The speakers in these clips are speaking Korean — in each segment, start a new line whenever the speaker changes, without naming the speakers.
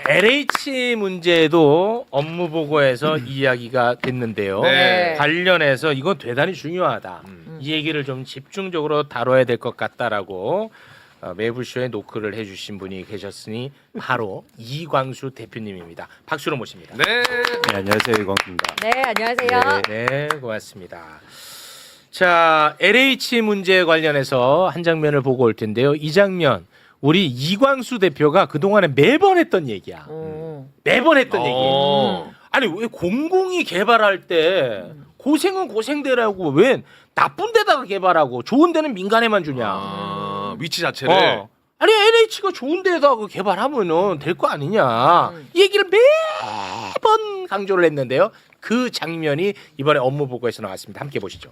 LH 문제도 업무 보고에서 이야기가 됐는데요.
네.
관련해서 이건 대단히 중요하다. 이 얘기를 좀 집중적으로 다뤄야 될 것 같다라고 매불쇼에 노크를 해주신 분이 계셨으니 바로 이광수 대표님입니다. 박수로 모십니다.
네.
네, 안녕하세요. 이광수입니다.
네, 안녕하세요.
네, 고맙습니다. 자, LH 문제 관련해서 한 장면을 보고 올 텐데요. 이 장면 우리 이광수 대표가 그동안에 매번 했던 얘기야. 매번 했던 얘기. 아니 왜 공공이 개발할 때 고생은 고생대라고 왜 나쁜 데다가 개발하고 좋은 데는 민간에만 주냐.
아, 위치 자체를.
아니 LH가 좋은 데다가 개발하면은 될 거 아니냐. 이 얘기를 매번 강조를 했는데요. 그 장면이 이번에 업무 보고에서 나왔습니다. 함께 보시죠.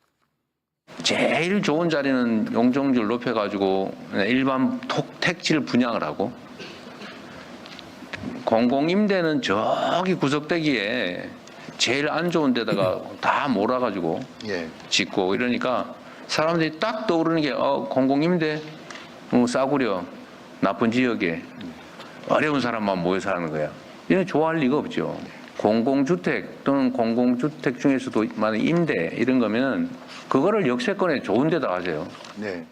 제일 좋은 자리는 용적률 높여가지고 일반 택지를 분양을 하고 공공임대는 저기 구석대기에 제일 안 좋은 데다가 다 몰아가지고 짓고 이러니까 사람들이 딱 떠오르는 게 공공임대 싸구려 나쁜 지역에 어려운 사람만 모여 사는 거야. 이런 좋아할 리가 없죠. 공공주택 또는 공공주택 중에서도 만약 임대 이런 거면 그거를 역세권에 좋은 데다 하세요.
네.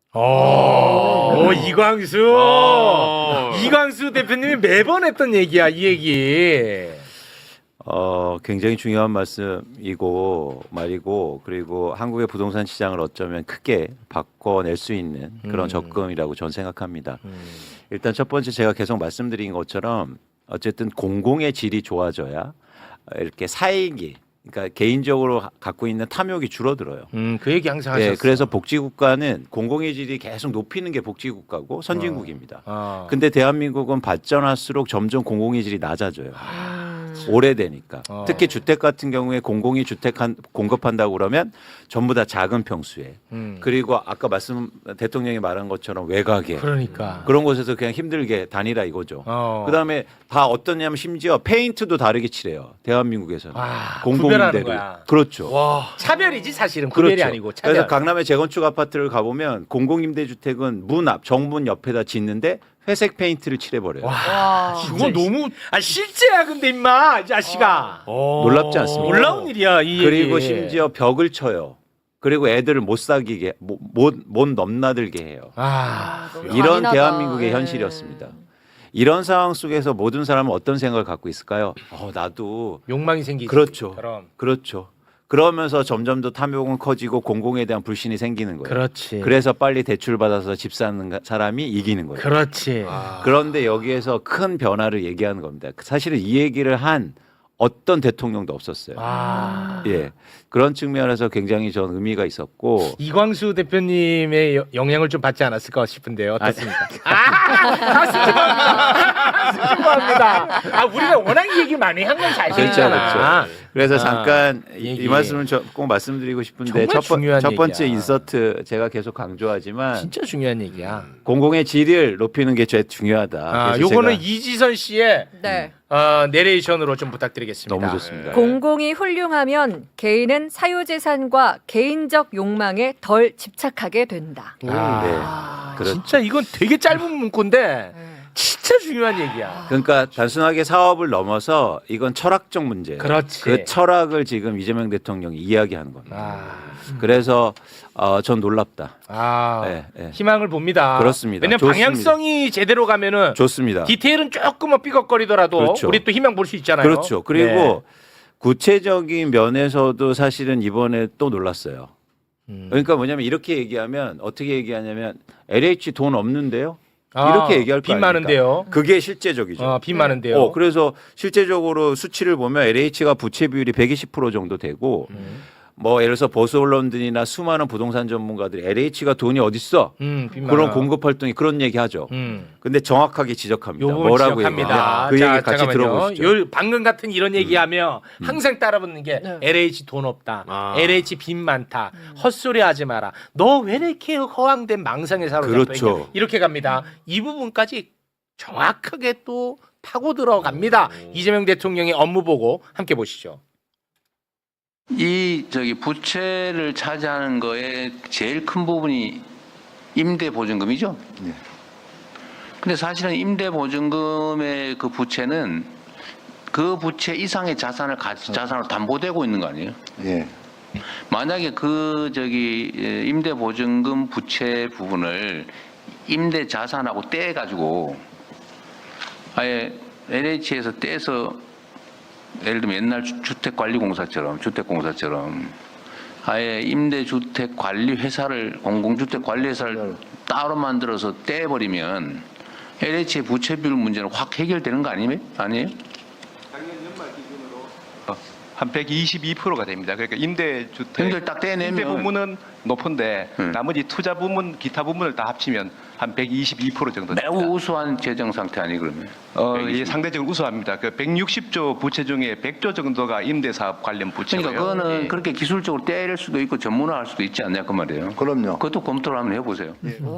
오, 이광수. 이광수 대표님이 매번 했던 얘기야, 이 얘기.
굉장히 중요한 말씀이고 말이고 그리고 한국의 부동산 시장을 어쩌면 크게 바꿔낼 수 있는 그런 접근이라고 저는 생각합니다. 일단 첫 번째 제가 계속 말씀드린 것처럼 어쨌든 공공의 질이 좋아져야 이렇게 사익이 그러니까 개인적으로 갖고 있는 탐욕이 줄어들어요.
그 얘기 항상 하셨어.
네, 그래서 복지국가는 공공의 질이 계속 높이는 게 복지국가고 선진국입니다. 근데 대한민국은 발전할수록 점점 공공의 질이 낮아져요. 오래되니까. 특히 주택 같은 경우에 공공이 주택 공급한다고 그러면 전부 다 작은 평수에 그리고 아까 대통령이 말한 것처럼 외곽에
그러니까.
그런 곳에서 그냥 힘들게 다니라 이거죠. 그다음에 다 어떠냐면 심지어 페인트도 다르게 칠해요. 대한민국에서는.
구별하는 거야.
그렇죠.
차별이지 사실은 구별이
그렇죠.
아니고 차별.
그래서 강남의 재건축 아파트를 가보면 공공임대주택은 문 앞 정문 옆에다 짓는데 회색 페인트를 칠해버려요.
그거 너무 실제야 근데 임마 이 자식아.
놀랍지 않습니까?
놀라운 일이야 이
그리고
얘기.
심지어 벽을 쳐요. 그리고 애들을 못 사귀게 못 넘나들게 해요.
너무
이런
잔인하다.
대한민국의
예.
현실이었습니다. 이런 상황 속에서 모든 사람은 어떤 생각을 갖고 있을까요? 나도
욕망이 생기지.
그렇죠.
그럼.
그렇죠. 그러면서 점점 더 탐욕은 커지고 공공에 대한 불신이 생기는 거예요.
그렇지.
그래서 빨리 대출 받아서 집 사는 사람이 이기는 거예요.
그렇지.
그런데 여기에서 큰 변화를 얘기하는 겁니다. 사실은 이 얘기를 한 어떤 대통령도 없었어요. 예, 그런 측면에서 굉장히 전 의미가 있었고
이광수 대표님의 영향을 좀 받지 않았을까 싶은데요. 어떻습니까? 수줍어합니다. 우리가 워낙 이 얘기 많이 한 건 사실이잖아.
그래서 잠깐
얘기.
이 말씀을 꼭 말씀드리고 싶은데
정말 중요한
첫 번째
얘기야.
인서트 제가 계속 강조하지만
진짜 중요한 얘기야.
공공의 질을 높이는 게 제일 중요하다. 그래서
요거는
제가
이지선 씨의
네.
내레이션으로 좀 부탁드리겠습니다.
너무 좋습니다.
공공이 훌륭하면 개인은 사유재산과 개인적 욕망에 덜 집착하게 된다.
네, 그렇죠.
진짜 이건 되게 짧은 문구인데 진짜 중요한 얘기야.
그러니까 단순하게 사업을 넘어서 이건 철학적 문제예요.
그렇지.
그 철학을 지금 이재명 대통령이 이야기하는 겁니다. 그래서 전 놀랍다. 네, 네.
희망을 봅니다.
그렇습니다.
왜냐면
좋습니다.
방향성이 제대로 가면은
좋습니다.
디테일은 조금은 삐걱거리더라도
그렇죠.
우리 또 희망 볼 수 있잖아요.
그렇죠. 그리고
네.
구체적인 면에서도 사실은 이번에 또 놀랐어요. 그러니까 뭐냐면 이렇게 얘기하면 어떻게 얘기하냐면 LH 돈 없는데요? 이렇게 얘기할 거
빚
아닙니까?
많은데요.
그게 실제적이죠.
빚 많은데요.
그래서 실제적으로 수치를 보면 LH가 부채 비율이 120% 정도 되고 뭐 예를 들어서 보수 언론들이나 수많은 부동산 전문가들이 LH가 돈이 어딨어?
빚
그런
많아.
공급 활동이 그런 얘기하죠. 근데 정확하게 지적합니다.
요 부분
뭐라고
지적합니다.
얘기하냐? 그 얘기 같이
잠깐만요.
들어보시죠.
방금 같은 이런 얘기하면 항상 따라붙는 게
네.
LH 돈 없다. LH 빚 많다. 헛소리 하지 마라. 너 왜 이렇게 허황된 망상에 사로잡혀
그렇죠.
있냐. 이렇게 갑니다. 이 부분까지 정확하게 또 파고 들어갑니다. 이재명 대통령의 업무 보고 함께 보시죠.
이 부채를 차지하는 거에 제일 큰 부분이 임대 보증금이죠. 근데 사실은 임대보증금의 그 부채는 그 부채 이상의 자산을 자산으로 담보되고 있는 거 아니에요?
예.
만약에 임대보증금 부채 부분을 임대 자산하고 떼가지고 아예 LH에서 떼서 예를 들면 옛날 주택관리공사처럼 아예 임대주택관리회사를 공공주택관리회사를 따로 만들어서 떼버리면 LH의 부채 비율 문제는 확 해결되는 거 아니에요?
한 122%가 됩니다. 그러니까 임대주택
형들 딱 떼내면
임대 부분은 높은데 나머지 투자 부분, 기타 부분을 다 합치면 한 122% 정도 됩니다.
매우 우수한 재정 상태 아니 그러면?
예, 상대적으로 우수합니다. 그 160조 부채 중에 100조 정도가 임대사업 관련 부채고요.
그러니까 그거는
예.
그렇게 기술적으로 떼낼 수도 있고 전문화할 수도 있지 않냐 그 말이에요.
그럼요.
그것도 검토를 한번 해보세요.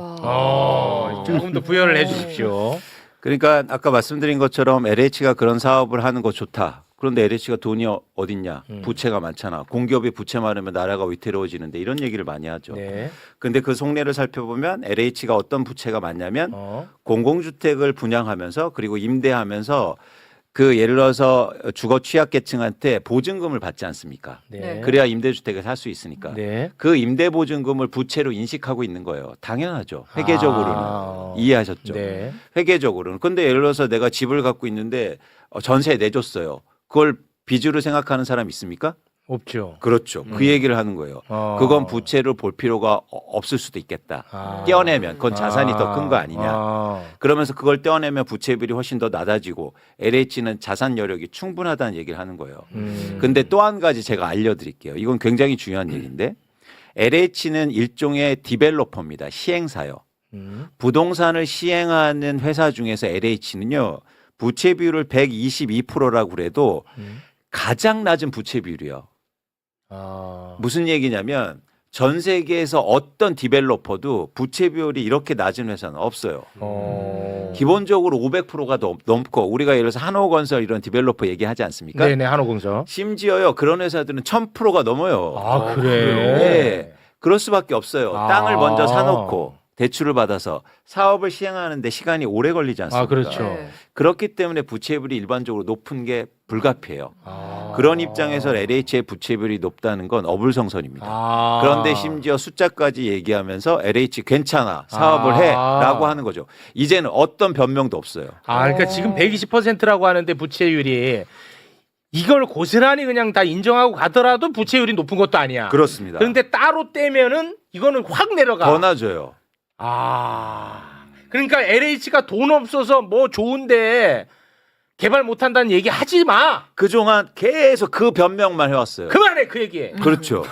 조금 더 부연을 해주십시오.
그러니까 아까 말씀드린 것처럼 LH가 그런 사업을 하는 거 좋다. 그런데 LH가 돈이 어딨냐? 부채가 많잖아. 공기업이 부채 많으면 나라가 위태로워지는데 이런 얘기를 많이 하죠.
네.
근데 그 속내를 살펴보면 LH가 어떤 부채가 많냐면 공공주택을 분양하면서 그리고 임대하면서 그 예를 들어서 주거 취약계층한테 보증금을 받지 않습니까?
네.
그래야 임대주택을 살 수 있으니까.
네.
그 임대보증금을 부채로 인식하고 있는 거예요. 당연하죠. 회계적으로는. 이해하셨죠?
네.
회계적으로는. 근데 예를 들어서 내가 집을 갖고 있는데 전세 내줬어요. 그걸 빚으로 생각하는 사람 있습니까?
없죠.
그렇죠. 그 얘기를 하는 거예요. 그건 부채를 볼 필요가 없을 수도 있겠다. 떼어내면 그건 자산이 더 큰 거 아니냐. 그러면서 그걸 떼어내면 부채 비율이 훨씬 더 낮아지고 LH는 자산 여력이 충분하다는 얘기를 하는 거예요. 근데 또 한 가지 제가 알려드릴게요. 이건 굉장히 중요한 얘기인데 LH는 일종의 디벨로퍼입니다. 시행사요. 부동산을 시행하는 회사 중에서 LH는요. 부채 비율을 122%라고 그래도 가장 낮은 부채 비율이요. 무슨 얘기냐면 전 세계에서 어떤 디벨로퍼도 부채 비율이 이렇게 낮은 회사는 없어요. 기본적으로 500%가 넘고 우리가 예를 들어서 한호건설 이런 디벨로퍼 얘기하지 않습니까?
네네, 한호공사.
심지어요 그런 회사들은 1000%가 넘어요.
아, 그래요?
네, 그럴 수밖에 없어요.
아.
땅을 먼저 사놓고 대출을 받아서 사업을 시행하는데 시간이 오래 걸리지 않습니까?
아, 그렇죠.
네.
그렇기 때문에 부채비율이 일반적으로 높은 게 불가피해요. 그런 입장에서 LH의 부채비율이 높다는 건 어불성설입니다. 그런데 심지어 숫자까지 얘기하면서 LH 괜찮아 사업을 해라고 하는 거죠. 이제는 어떤 변명도 없어요.
그러니까 지금 120%라고 하는데 부채율이 이걸 고스란히 그냥 다 인정하고 가더라도 부채율이 높은 것도 아니야.
그렇습니다.
그런데 따로 떼면은 이거는 확 내려가.
더 낮아요.
그러니까 LH가 돈 없어서 뭐 좋은데 개발 못한다는 얘기 하지 마.
그동안 계속 그 변명만 해왔어요.
그만해 그 얘기.
그렇죠.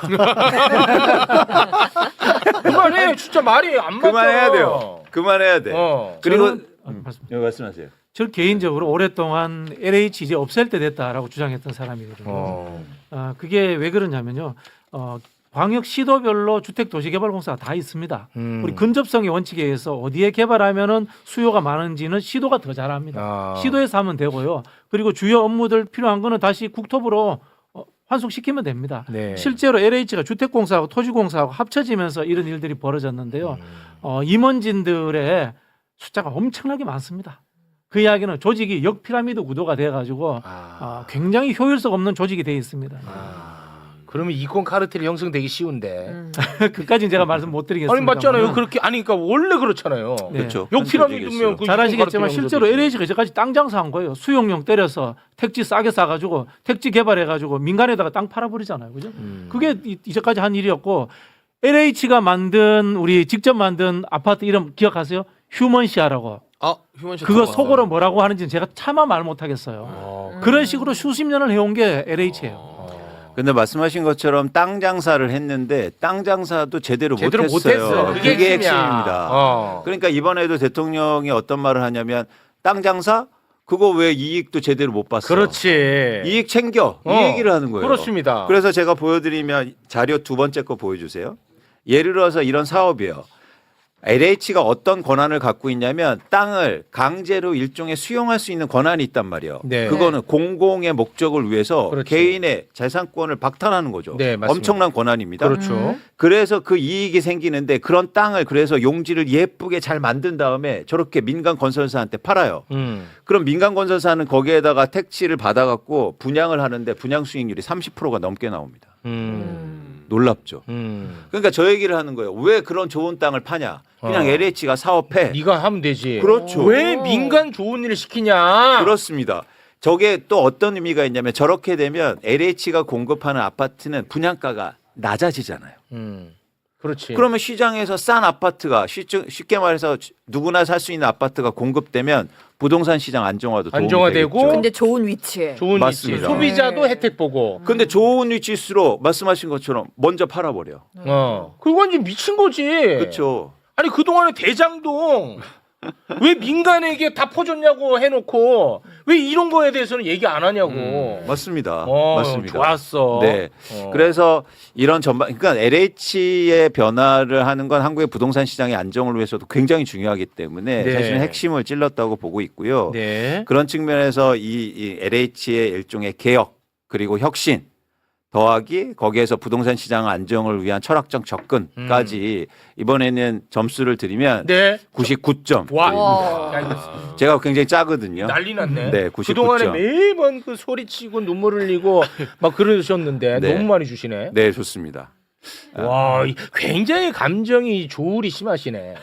그만해. 진짜 말이 안 맞아.
그만해야 돼요. 그만해야 돼. 그리고 말씀하세요.
저 개인적으로 오랫동안 LH 이제 없앨 때 됐다라고 주장했던 사람이거든요. 그게 왜 그러냐면요. 광역 시도별로 주택도시개발공사가 다 있습니다. 우리 근접성의 원칙에 의해서 어디에 개발하면은 수요가 많은지는 시도가 더 잘합니다. 시도에서 하면 되고요. 그리고 주요 업무들 필요한 거는 다시 국토부로 환송시키면 됩니다.
네.
실제로 LH가 주택공사하고 토지공사하고 합쳐지면서 이런 일들이 벌어졌는데요. 임원진들의 숫자가 엄청나게 많습니다. 그 이야기는 조직이 역피라미드 구도가 돼가지고 굉장히 효율성 없는 조직이 돼 있습니다.
그러면 이권 카르텔이 형성되기 쉬운데.
그까지는 제가 말씀 못 드리겠습니다.
아니 맞잖아요. 그렇게 그러니까 원래 그렇잖아요.
네.
그렇죠.
역피라미드면 그
잘 아시겠지만
이권
실제로
카르텔
LH가 이제까지 땅 장사한 거예요. 수용용 때려서 택지 싸게 싸가지고 택지 개발해가지고 민간에다가 땅 팔아버리잖아요. 그죠? 그게 이제까지 한 일이었고 LH가 만든 우리 직접 만든 아파트 이름 기억하세요? 휴먼시아라고.
휴먼시
그거 속어로 뭐라고 하는지는 제가 차마 말 못하겠어요. 그런 식으로 수십 년을 해온 게 LH예요.
근데 말씀하신 것처럼 땅 장사를 했는데 땅 장사도 제대로
제대로
못했어요.
못했어.
그게
그게
핵심입니다. 그러니까 이번에도 대통령이 어떤 말을 하냐면 땅 장사 그거 왜 이익도 제대로 못 봤어?
그렇지.
이익 챙겨 이 얘기를 하는 거예요.
그렇습니다.
그래서 제가 보여드리면 자료 두 번째 거 보여주세요. 예를 들어서 이런 사업이에요. LH가 어떤 권한을 갖고 있냐면 땅을 강제로 일종의 수용할 수 있는 권한이 있단 말이에요.
네.
그거는 공공의 목적을 위해서
그렇죠.
개인의 재산권을 박탈하는 거죠.
네, 맞습니다.
엄청난 권한입니다.
그렇죠.
그래서 그 이익이 생기는데 그런 땅을 그래서 용지를 예쁘게 잘 만든 다음에 저렇게 민간 건설사한테 팔아요. 그럼 민간 건설사는 거기에다가 택지를 받아갖고 분양을 하는데 분양 수익률이 30%가 넘게 나옵니다. 놀랍죠. 그러니까 저 얘기를 하는 거예요. 왜 그런 좋은 땅을 파냐? 그냥 LH가 사업해.
네가 하면 되지.
그렇죠.
왜 민간 좋은 일을 시키냐?
그렇습니다. 저게 또 어떤 의미가 있냐면 저렇게 되면 LH가 공급하는 아파트는 분양가가 낮아지잖아요.
그렇지.
그러면 시장에서 싼 아파트가 쉽게 말해서 누구나 살 수 있는 아파트가 공급되면 부동산 시장 안정화도 도움이
안정화되고
되겠죠.
근데 좋은 위치에.
좋은
맞습니다.
위치. 소비자도 혜택 보고.
근데 좋은 위치일수록 말씀하신 것처럼 먼저 팔아버려.
그거 완전 미친 거지.
그렇죠.
아니 그동안에 대장동 왜 민간에게 다 퍼줬냐고 해놓고 왜 이런 거에 대해서는 얘기 안 하냐고.
맞습니다. 맞습니다.
좋았어.
네. 그래서 이런 전반, 그러니까 LH의 변화를 하는 건 한국의 부동산 시장의 안정을 위해서도 굉장히 중요하기 때문에
네.
사실은 핵심을 찔렀다고 보고 있고요.
네.
그런 측면에서 이 LH의 일종의 개혁 그리고 혁신 더하기 거기에서 부동산 시장 안정을 위한 철학적 접근까지 이번에는 점수를 드리면
네.
99점.
와.
야, 이거
제가 굉장히 짜거든요.
난리 났네.
네, 99점.
그동안에 매번 그 소리치고 눈물 흘리고 막 그러셨는데
네.
너무 많이 주시네.
네, 좋습니다.
와, 굉장히 감정이 조울이 심하시네.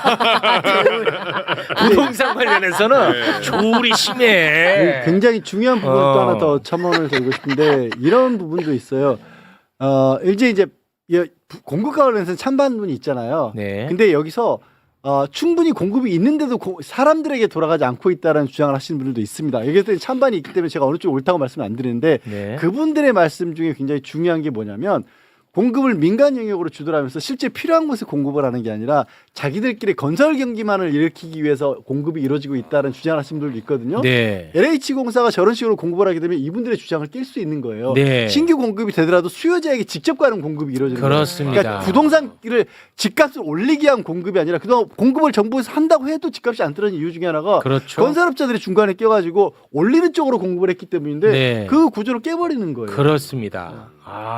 부동산 관련해서는 조울이 심해.
굉장히 중요한 부분을 또
어.
하나 더 첨언을 드리고 싶은데 이런 부분도 있어요. 이제 공급과 관련해서 찬반론이 있잖아요.
네.
근데 여기서 충분히 공급이 있는데도 사람들에게 돌아가지 않고 있다는 주장을 하시는 분들도 있습니다. 여기서 찬반이 있기 때문에 제가 어느 쪽이 옳다고 말씀을 안 드리는데
네.
그분들의 말씀 중에 굉장히 중요한 게 뭐냐면 공급을 민간 영역으로 주도하면서 실제 필요한 곳에 공급을 하는 게 아니라 자기들끼리 건설 경기만을 일으키기 위해서 공급이 이루어지고 있다는 주장을 하시는 분들도 있거든요.
네.
LH공사가 저런 식으로 공급을 하게 되면 이분들의 주장을 깰 수 있는 거예요.
네.
신규 공급이 되더라도 수요자에게 직접 가는 공급이 이루어지는 거예요.
그렇습니다.
그러니까 부동산을 집값을 올리기 위한 공급이 아니라 그동안 공급을 정부에서 한다고 해도 집값이 안 떨어진 이유 중에 하나가
그렇죠.
건설업자들이 중간에 껴가지고 올리는 쪽으로 공급을 했기 때문인데
네.
그 구조를 깨버리는 거예요.
그렇습니다.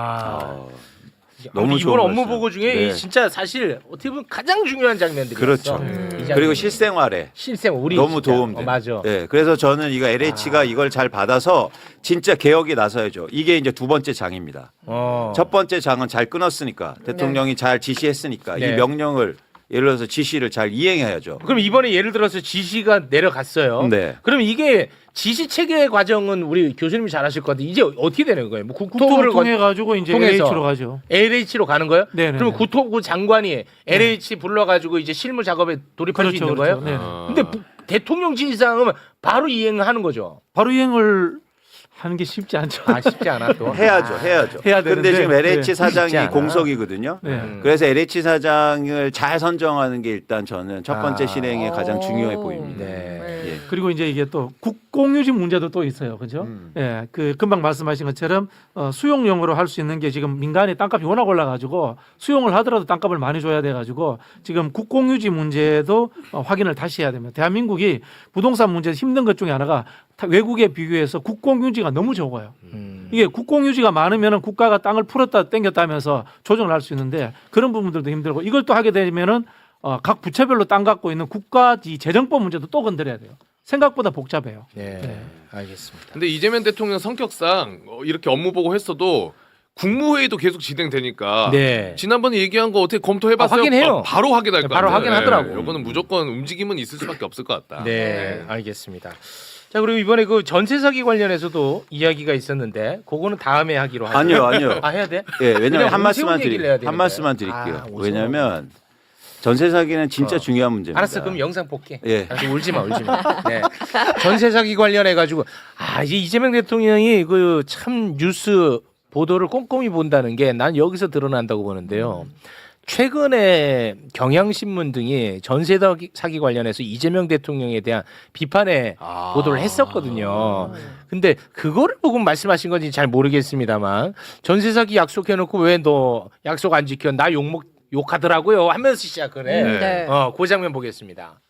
너무
이번
좋은
업무
말씀.
보고 중에
네.
이 진짜 사실 어떻게 보면 가장 중요한 장면들이었어.
그렇죠.
이 장면.
그리고 실생활에
실생 우리
너무
진짜.
도움돼.
맞아.
네, 그래서 저는 이거 LH가 이걸 잘 받아서 진짜 개혁에 나서야죠. 이게 이제 두 번째 장입니다. 첫 번째 장은 잘 끊었으니까 대통령이 잘 지시했으니까
네.
이 명령을 예를 들어서 지시를 잘 이행해야죠.
그럼 이번에 예를 들어서 지시가 내려갔어요.
네.
그럼 이게 지시 체계 과정은 우리 교수님이 잘 하실 것 같은데 이제 어떻게 되는 거예요? 뭐
국토를
국토부를
통해 가지고 이제
통해서.
LH로 가죠.
LH로 가는 거예요?
네네네.
그럼 국토부 장관이 LH 불러가지고 이제 실무 작업에 돌입할 수 있는 거예요?
네.
근데 대통령 지시사항은 바로 이행하는 거죠.
바로 이행을 하는 게 쉽지 않죠.
쉽지 않아 또.
해야죠.
해야
근데
되는데,
지금 LH
네.
사장이
쉽지 않아.
공석이거든요.
네.
그래서 LH 사장을 잘 선정하는 게 일단 저는 첫 번째
아.
실행에 가장 중요해 보입니다.
네.
예.
그리고 이제 이게 또 국공유지 문제도 또 있어요, 그렇죠? 예, 그 금방 말씀하신 것처럼 수용용으로 할 수 있는 게 지금 민간의 땅값이 워낙 올라가지고 수용을 하더라도 땅값을 많이 줘야 돼가지고 지금 국공유지 문제도 확인을 다시 해야 됩니다. 대한민국이 부동산 문제에서 힘든 것 중에 하나가 외국에 비교해서 국공유지가 너무 적어요. 이게 국공유지가 많으면 국가가 땅을 풀었다 땡겼다 하면서 조정을 할 수 있는데 그런 부분들도 힘들고 이걸 또 하게 되면은 각 부처별로 땅 갖고 있는 국가 재정법 문제도 또 건드려야 돼요. 생각보다 복잡해요.
네. 알겠습니다.
근데 이재명 대통령 성격상 이렇게 업무 보고 했어도 국무회의도 계속 진행되니까
네.
지난번에 얘기한 거 어떻게 검토해봤어요?
확인해요.
바로 확인할 거
바로
아니에요.
확인하더라고.
이거는 무조건 움직임은 있을 수밖에 없을 것 같다.
네, 알겠습니다. 자, 그리고 이번에 그 전세 사기 관련해서도 이야기가 있었는데 그거는 다음에 하기로 하죠.
아니요.
해야 돼?
예, 왜냐면
그냥
한 말씀만
오세훈 얘기를 해야 되는데.
한 말씀만 드릴게요.
오세훈.
왜냐면 전세 사기는 진짜 중요한 문제입니다.
알았어, 그럼 영상 볼게.
예.
알았어, 울지 마. 네. 전세 사기 관련해 가지고 이제 이재명 대통령이 그 참 뉴스 보도를 꼼꼼히 본다는 게 난 여기서 드러난다고 보는데요. 최근에 경향신문 등이 전세 사기 관련해서 이재명 대통령에 대한 비판의 보도를 했었거든요. 근데 그거를 보고 말씀하신 건지 잘 모르겠습니다만 전세 사기 약속해놓고 왜 너 약속 안 지켜? 나 욕먹 욕하더라고요 하면서 시작을 해.
네.
그 장면 보겠습니다.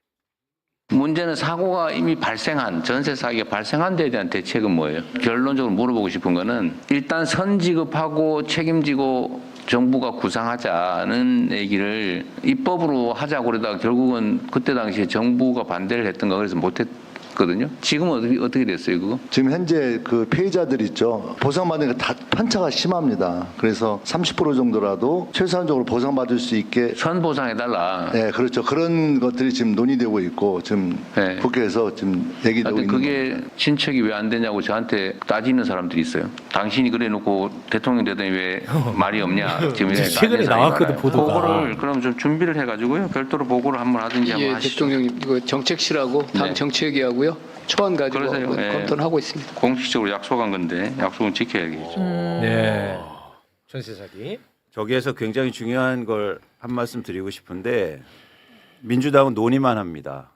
문제는 사고가 이미 발생한 전세 사기가 발생한 데에 대한 대책은 뭐예요? 결론적으로 물어보고 싶은 거는 일단 선지급하고 책임지고 정부가 구상하자는 얘기를 입법으로 하자고 그러다가 결국은 그때 당시에 정부가 반대를 했던가 그래서 못했거든요. 지금은 어떻게 됐어요 그거?
지금 현재 그 피해자들 있죠. 보상받는 게 다 편차가 심합니다. 그래서 30% 정도라도 최소한적으로 보상받을 수 있게
선보상해달라.
네, 그렇죠. 그런 것들이 지금 논의되고 있고 지금
네.
국회에서 지금 얘기되고
근데
있는
그게
겁니다.
친척이 왜 안 되냐고 저한테 따지는 사람들이 있어요. 당신이 그래놓고 대통령 되더니 왜 말이 없냐. 지금 이렇게
최근에
따지는 사람이
나왔거든,
많아요.
보도가.
보고를 그럼 좀 준비를 해가지고요. 별도로 보고를 한번 하든지 한번
예,
하시죠.
대통령님 이거 정책실하고 당
네.
정책위하고요 초안 가지고
그러세요.
한번
예.
검토를 하고 있습니다.
공식적으로 약속한 건데 약속은 지켜야겠죠.
네. 전세 사기.
저기에서 굉장히 중요한 걸 한 말씀 드리고 싶은데 민주당은 논의만 합니다.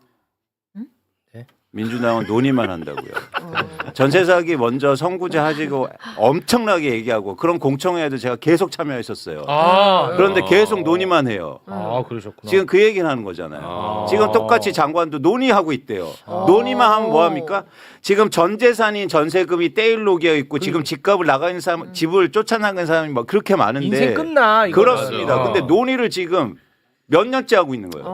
네?
민주당은 논의만 한다고요. 전세 사기 먼저 선구제 하시고 엄청나게 얘기하고 그런 공청회에도 제가 계속 참여했었어요. 그런데 계속 논의만 해요.
그러셨구나.
지금 그 얘기를 하는 거잖아요. 지금 똑같이 장관도 논의하고 있대요. 논의만 하면 뭐 합니까? 지금 전 재산인 전세금이 떼일 녹여 있고 지금 집값을 나가 있는 사람, 집을 쫓아나가는 사람이 막 그렇게 많은데
인생 끝나. 이거.
그렇습니다.
맞아.
근데 논의를 지금 몇 년째 하고 있는 거예요.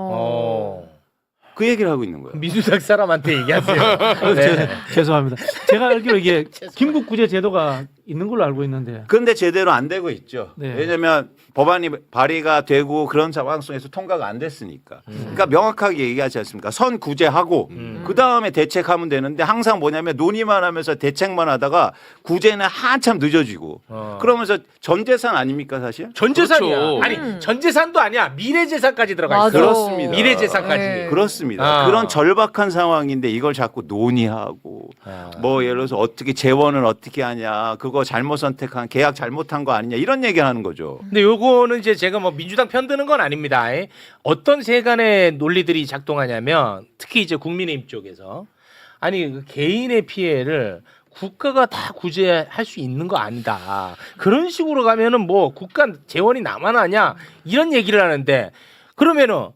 그 얘기를 하고 있는 거예요.
민주당 사람한테 얘기하세요. 네.
죄송합니다. 제가 알기로 이게 긴급구제 제도가 있는 걸로 알고 있는데
근데 제대로 안 되고 있죠.
네.
왜냐하면 법안이 발의가 되고 그런 상황 속에서 통과가 안 됐으니까. 그러니까 명확하게 얘기하지 않습니까? 선구제하고 그 다음에 대책하면 되는데 항상 뭐냐면 논의만 하면서 대책만 하다가 구제는 한참 늦어지고 그러면서 전 재산 아닙니까 사실?
전 재산이야.
그렇죠.
아니 전 재산도 아니야. 미래 재산까지 들어가 있어.
맞아.
그렇습니다.
미래 재산까지.
네.
그렇습니다. 그런 절박한 상황인데 이걸 자꾸 논의하고 뭐 예를 들어서 어떻게 재원을 어떻게 하냐 그거 잘못 선택한 계약 잘못한 거 아니냐 이런 얘기하는 거죠.
근데 요거는 이제 제가 뭐 민주당 편드는 건 아닙니다. 어떤 세간의 논리들이 작동하냐면 특히 이제 국민의힘 쪽에서 아니 그 개인의 피해를 국가가 다 구제할 수 있는 거 아니다. 그런 식으로 가면은 뭐 국가 재원이 남아나냐 이런 얘기를 하는데 그러면은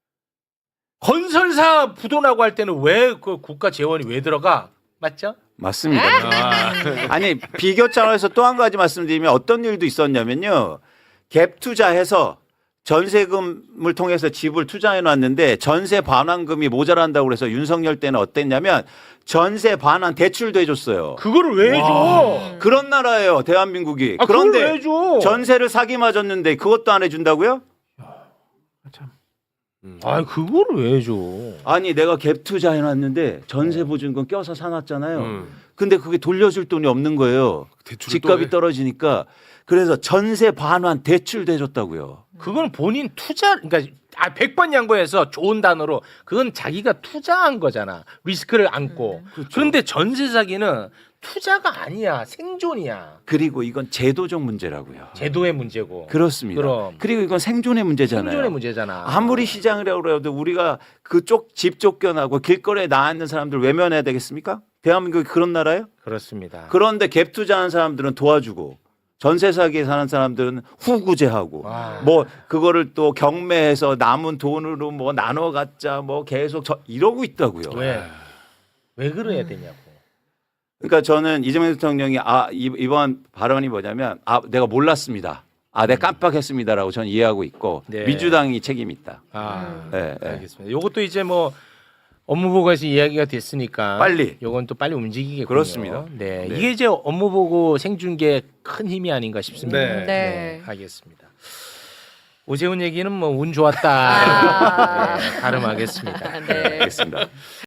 건설사 부도나고 할 때는 왜 그 국가 재원이 왜 들어가? 맞죠?
맞습니다. 아니 비교 차원에서 또 한 가지 말씀드리면 어떤 일도 있었냐면요. 갭 투자해서 전세금을 통해서 집을 투자해 놨는데 전세 반환금이 모자란다고 그래서 윤석열 때는 어땠냐면 전세 반환 대출도 해줬어요.
그거를 왜 해줘?
그런 나라예요, 대한민국이.
아, 그걸 왜
그런데
해줘?
전세를 사기 맞았는데 그것도 안 해준다고요?
참.
아, 그거를 왜 해줘?
아니 내가 갭 투자해 놨는데 전세 보증금 껴서 사놨잖아요. 근데 그게 돌려줄 돈이 없는 거예요.
대출을
집값이
또 해.
떨어지니까. 그래서 전세 반환 대출도 해줬다고요.
그건 본인 투자, 그러니까 100번 양보해서 좋은 단어로 그건 자기가 투자한 거잖아. 리스크를 안고.
그렇죠.
그런데 전세 사기는 투자가 아니야. 생존이야.
그리고 이건 제도적 문제라고요.
제도의 문제고.
그렇습니다.
그럼.
그리고 이건 생존의 문제잖아요.
생존의 문제잖아.
아무리 시장이라고 해도 우리가 그쪽 집 쫓겨나고 길거리에 나와 있는 사람들 외면해야 되겠습니까? 대한민국이 그런 나라예요?
그렇습니다.
그런데 갭 투자하는 사람들은 도와주고 전세 사기에 사는 사람들은 후구제하고
와.
뭐 그거를 또 경매해서 남은 돈으로 뭐 나눠 갖자 뭐 계속 이러고 있다고요.
왜 그래야 되냐고.
그러니까 저는 이재명 대통령이 이번 발언이 뭐냐면 내가 몰랐습니다. 내가 깜빡했습니다라고 저는 이해하고 있고
네.
민주당이 책임이 있다. 네, 네.
알겠습니다. 요것도 이제 뭐 업무보고에서 이야기가 됐으니까
빨리.
요건 또 빨리 움직이겠군요.
그렇습니다.
네.
네.
이게 이제 업무보고 생중계 큰 힘이 아닌가 싶습니다.
네.
네.
알겠습니다. 오재훈 얘기는 뭐 운 좋았다. 네, 가름하겠습니다.
네.
알겠습니다.